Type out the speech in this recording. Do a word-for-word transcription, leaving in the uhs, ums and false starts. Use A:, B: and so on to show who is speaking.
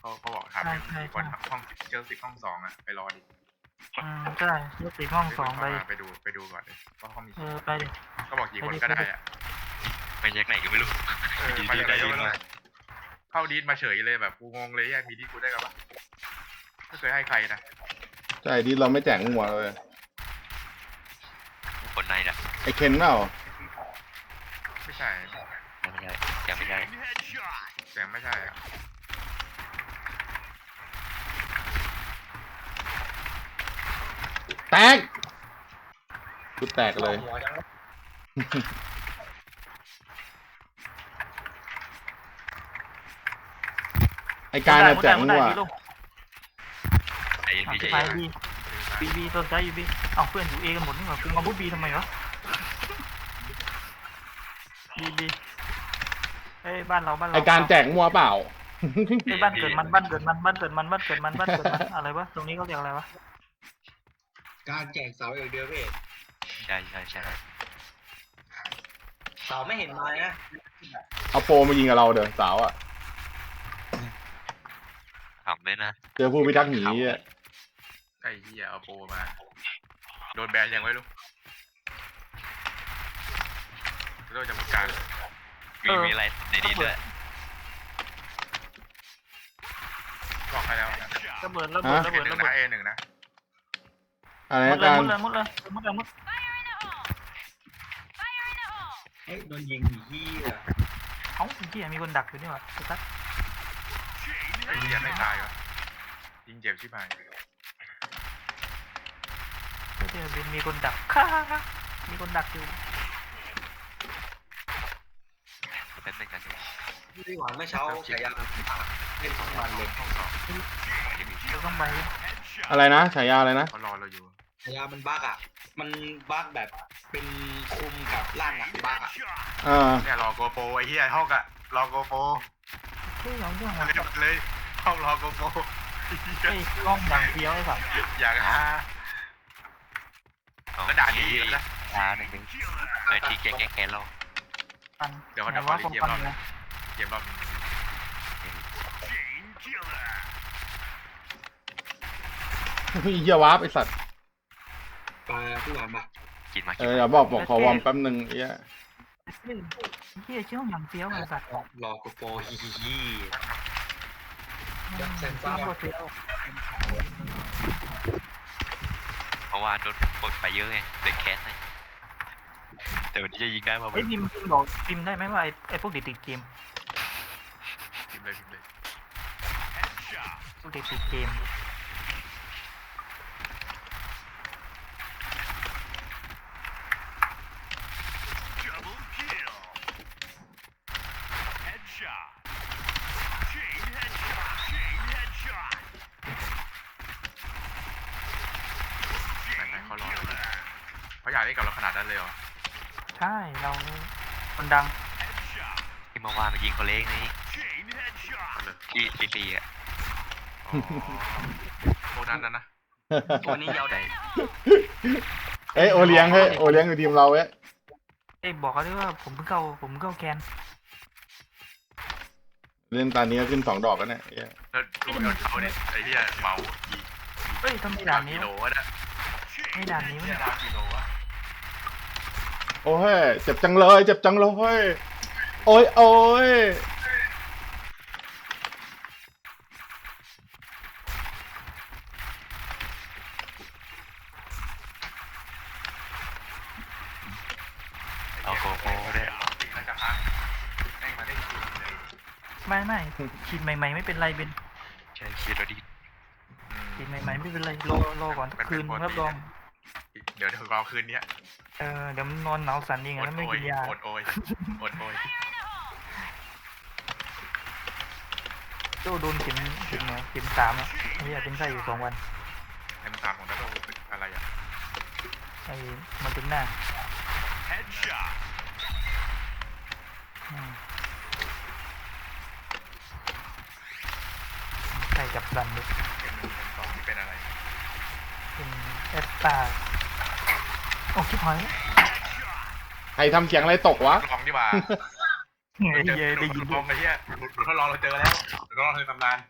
A: เขาเขาบอกถามเป็นคนห้องเจอสิบห้องสองอ่ะไปรอดิ
B: อืมใช่ยกสิบห้องสองไป
A: ไปดูไปดูก่อนเลยว่าเขามี
B: เออไปดิ
A: ก็บอกกี่คนก็ได้อ่ะ
C: ไปแยกไหนก็ไม่รู้
A: เออไปไหนก็ไม่รู้เข้าดีดมาเฉยเลยแบบกูงงเลยแยกมีดีดกูได้กับวะไม่เคยให้ใครนะ
D: ใช่ดีเราไม่แจกหัวเลย
C: คนในน่ะ
D: ไอเคนเปล่า
A: ไม่ใช่
C: ยังไม่ใช่ยังไม่ใช่
A: เสียงไม่ใช่อ่ะ
D: แตกกูแตกเลยไอการน่ะแจกหัว
C: ไอ้พี่ใจ
B: ไปบีบีบีต้นใจอยู่บีเอาเพื่อนอยู่เอกันหมดนี่หว่าคือมาบุบีทำไมวะบีบีเอ้ยบ้านเราบ้านเรา
D: ไอการแจกหัวเปล่า
B: ไอ้บ้านเกิดมันบ้านเกิดมันบ้านเกิดมันบ้านเกิดมันบ้านเกิดมันอะไรวะตรงนี้เขาเรียกอะไรวะ
E: การแจกเสาอย่างเดียวพี่
C: ใช่ใช่ใช่
E: เสาไม่เห็นมานะ
D: เอาโปรมายิงกับเราเด้อสาวอ่ะ
C: ขำเลยนะ
D: เจอผู้พิทักษ์หนีอ่ะ
A: ไอ้เหี้ยเอาโปรมาโดนแบนยังไม่รู้โดนจำการ
C: มีมีอะไรในนี้ด้วย
A: บอกให้แล้ว
B: ระเบิดระเบิดระเบิดระเบิด
A: เอหนึ่งนะ
D: อะไร
B: มุดเล
D: กาย ร
B: มุดเลยมุดเลยมุดเลยมุด
E: เฮ้ยโดนยิงอีที่อ่ะ
B: เอ้าที่มีคนดักอยู่นี่หว่าสัก
A: ไอ้เหี้ยไม่ตายวะยิงเจ็บชิบหาย
B: เดี๋ยวมีคนดักค่ะมีคนดักอยู่
C: เป็นเป็นกัน
E: พี่หวานเมื่อเช้าฉายาเล่นสองวันเลยห้องสอง
B: เราต้องไป
D: อะไรนะฉายาอะไรนะ
A: เขารอเราอยู่
E: ฉายามันบั๊กอ่ะมันบั๊กแบบเป็นคุมกับล่างอ่ะบั๊กอ่ะ
D: อ่า
A: เนี่ยรอโกโปรไอ้เหี้ยห้องอะรอโกโปร
B: เฮ้ยเราเรื่อง
A: อะไรเลยห้องรอโกโปร
B: เฮ้ยกล้องดังเฟี้ยวไอ้สัส
A: อยากหาก็ด่าดีนะ
C: ช้าหนึ่งนึงไอ้ที่แกแกแกเรา
A: เดี๋ยวเขาจะขอเกมรอบเกมรอบ
D: พี่เหี้ยวาร์ปไอสัตว์
E: ปลาพี่หวานมา
C: กินมา
D: เอออย่าบอกบอกขอวอร์มแป๊บนึงเอี้ย
B: เฮียชื่ออย่างเฟี้ยวไอ้สัส
E: รอโกโปฮิฮิฮิ
C: เพราะว่าโดนกดไปเยอะไงเลยแคสไงแต่วันนี้จะยิงได้ป่ะ
B: ไอ้พิมพ์บอกพิมพ์ได้ไหมว่าไอ้ไอ้พวกเด็กติดเกม
A: พิมพ์เลยพิมพ์เลย
B: พวกเด็กติดเกม
A: เขารอเขาอยากเล่นกับเราขนาดนั้นเลยเหรอ
B: ใช่เราคนดัง
C: ที่เมื่อวานมายิงคนเล็กนี่ที่ซีซีอ่ะ
A: โคนั้นนะนะ
C: ตัวนี้ยาวได้
D: เอ้ยโอเลี้ยงเฮ้ยโอเลี้ยงอยู่ทีมเราเว้ย
B: เอ้ยบอกเขาด้วยว่าผมเพิ่งเข้าผมเพิ่งเข้าแคน
D: เล่นตอนนี้ก็ขึ้นสองดอกแล้วเนี่ย
A: แล้วดูยอดเขาเนี่ยไอ้ที่เมาอี
B: เฮ้ยทำไมด่านนี้
A: กิโลวะเนี่ย
B: ไม่ด่านนี้ไม่
A: ด่านกิโลวะ
D: โอ้ยเจ็บจังเลยเจ็บจังเลยโอ้ยโอ้ย
C: เอาโกโก้ด้วย
B: ไม่ไม่ฉีดใหม่ๆไม่เป็นไรเป็น
C: ใช่ฉีดแล้วดี
B: ฉีดใหม่ๆไม่เป็นไรรอรอก่อนคืนรับรอง
A: เดี๋ยวเดี๋ยวรอคืนนี้
B: เออเดี๋ยวมันนอนหนาวสั่นเองแล้วไม่กินยา
A: อดโอยอดโอย
B: โจโดนเข็มเข็มเนี่ยเข็มสามอ่ะนี่เป็นไส้อยู่สองวัน
A: เข็มสามของนักโทษอะไรอ่ะ
B: ไอ้มันถึงหน้าใครจับดันดิ
A: เข็มหนึ่งเข็มสองที่เป็นอะไร
B: เป็นเอสตาโอ้ชิบหาย
D: ใครทำเสียงอะไรตกวะ
A: ลองดีกว่า
B: เฮ้ยได้ยิน
A: ลองไอ้เหี้ยหลุดทดลองเราเจอแล้วทดลองในตำนาน